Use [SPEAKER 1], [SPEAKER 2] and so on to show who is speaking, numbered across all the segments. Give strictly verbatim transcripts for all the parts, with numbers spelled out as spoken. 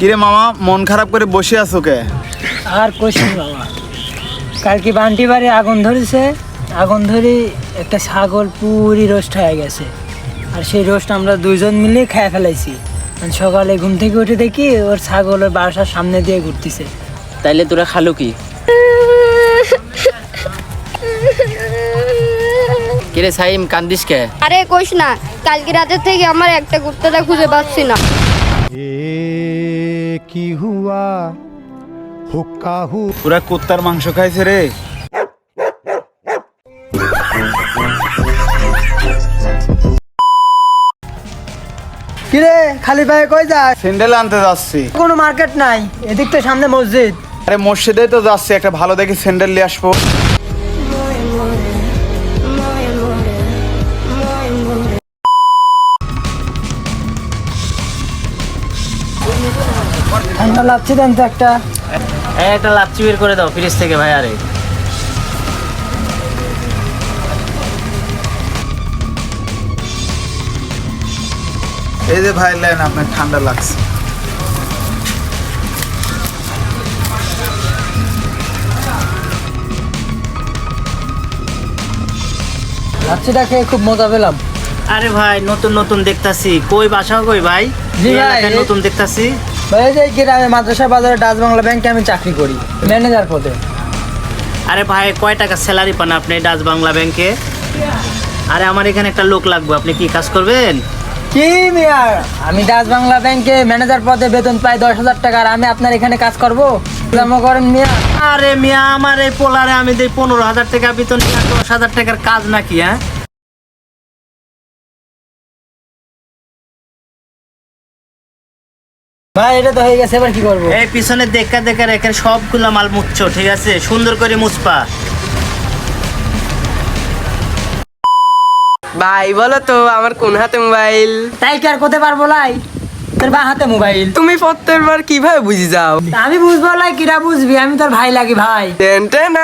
[SPEAKER 1] কিরে মামা, মন খারাপ করে বসে আছো কে?
[SPEAKER 2] আর কইছি মামা, কালকে বান্টি বাড়ি আগুন ধরেছে। আগুন ধরে একটা ছাগল পুরি রোস্ট হয়ে গেছে, আর সেই রোস্ট আমরা দুইজন মিলে খেয়ে ফেলাইছি। সকালে ঘুম থেকে উঠে দেখি ওর ছাগল ওর বাসার সামনে দিয়ে ঘুরতেছে।
[SPEAKER 3] তাইলে তোরা খালো কি? কিরে সাইম, কান্দিস কে?
[SPEAKER 4] আরে কইস না, কালকে রাতে থেকে আমার একটা কুত্তাটা খুঁজে পাচ্ছি না।
[SPEAKER 5] কি হুয়া হুক্কা হু
[SPEAKER 1] পুরা কুত্তার মাংস খাইছে রে।
[SPEAKER 2] কিরে খালি পায়ে কই যাস?
[SPEAKER 1] স্যান্ডেল আনতে যাচ্ছি।
[SPEAKER 2] কোনো মার্কেট নাই, এদিক তো সামনে মসজিদ।
[SPEAKER 1] আরে মসজিদে তো যাচ্ছি, একটা ভালো দেখে স্যান্ডেল নিয়ে আসবো।
[SPEAKER 2] ঠান্ডা লাগছে দেন তো একটা।
[SPEAKER 3] একটা লাচ্ছি বের করে দাও ফ্রিজ থেকে ভাই। আরে
[SPEAKER 1] এই যে ভাই লেন, আপনার ঠান্ডা লাগছে।
[SPEAKER 2] লাচ্ছিটা খেয়ে খুব মজা পেলাম।
[SPEAKER 3] আরে ভাই, নতুন নতুন দেখতাছি। কই বাসা কই ভাই?
[SPEAKER 2] জি
[SPEAKER 3] এই
[SPEAKER 2] ভাই,
[SPEAKER 3] এলাকায়
[SPEAKER 2] এই-
[SPEAKER 3] নতুন দেখতাছি।
[SPEAKER 2] ভাই এই যে গ্রামে মাদ্রাসা বাজারে ডাচ বাংলা ব্যাংকে আমি চাকরি করি, ম্যানেজার পদে।
[SPEAKER 3] আরে ভাই, কয় টাকা স্যালারি পান আপনি ডাচ বাংলা ব্যাংকে? আরে আমার এখানে একটা লোক লাগবে, আপনি কি কাজ করবেন?
[SPEAKER 2] কি মিয়ার, আমি ডাচ বাংলা ব্যাংকে ম্যানেজার পদে বেতন পাই দশ হাজার টাকা, আর আমি আপনার এখানে কাজ করবো? জমা করেন মিয়া।
[SPEAKER 3] আরে মিয়া, আমার এই পোলারে আমি দেই পনেরো হাজার টাকা বেতন, নিয়ে দশ হাজার টাকার কাজ নাকি? হ্যাঁ,
[SPEAKER 2] ভাই এটা তো হয়ে গেছে, এবার কি করবো?
[SPEAKER 3] এই পিছনে দেখা দেখা রেখে সবগুলা মাল মুছছো, ঠিক আছে? সুন্দর করে মুছপা।
[SPEAKER 6] ভাই বলো তো আমার কোন হাতে মোবাইল?
[SPEAKER 2] তাই কি আর করতে পারবো লাই? তোর বা হাতে মোবাইল।
[SPEAKER 6] তুমি প্রত্যেকবার কিভাবে বুঝি যাও?
[SPEAKER 2] আমি বুঝবো লাই, কিরা বুঝবি? আমি তোর ভাই লাগি ভাই।
[SPEAKER 6] টেনটে না।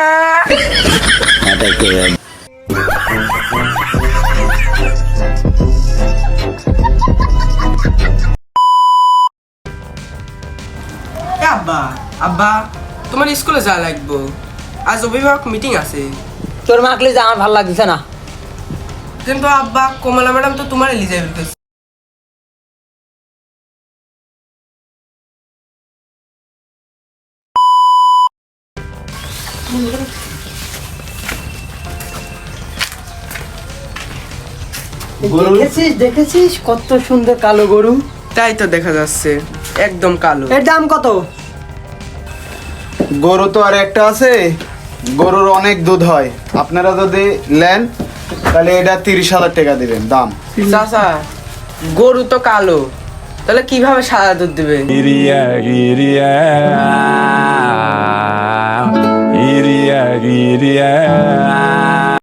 [SPEAKER 6] এ আব্বা, আব্বা তোমার স্কুলে যা লাগবো, আজ অভিভাবক মিটিং আছে।
[SPEAKER 2] তোর মাকলি যে আমার ভালো লাগছে না।
[SPEAKER 6] কিন্তু আব্বা কমলা ম্যাডাম তো তোমার এলিজিবল করছে।
[SPEAKER 2] দেখেছিস দেখেছিস কত সুন্দর কালো গরু?
[SPEAKER 6] তাই তো দেখা যাচ্ছে, একদম কালো।
[SPEAKER 2] এর দাম কত?
[SPEAKER 1] গরু তো আর একটা আছে, গরুর অনেক দুধ হয়। আপনারা যদি নেন তাহলে এটা তিরিশ হাজার টাকা দিবেন দাম।
[SPEAKER 6] চাচা, গরু তো কালো, তাহলে কিভাবে সাদা দুধ দিবে?
[SPEAKER 5] ইরিয়া ইরিয়া ইরিয়া ইরিয়া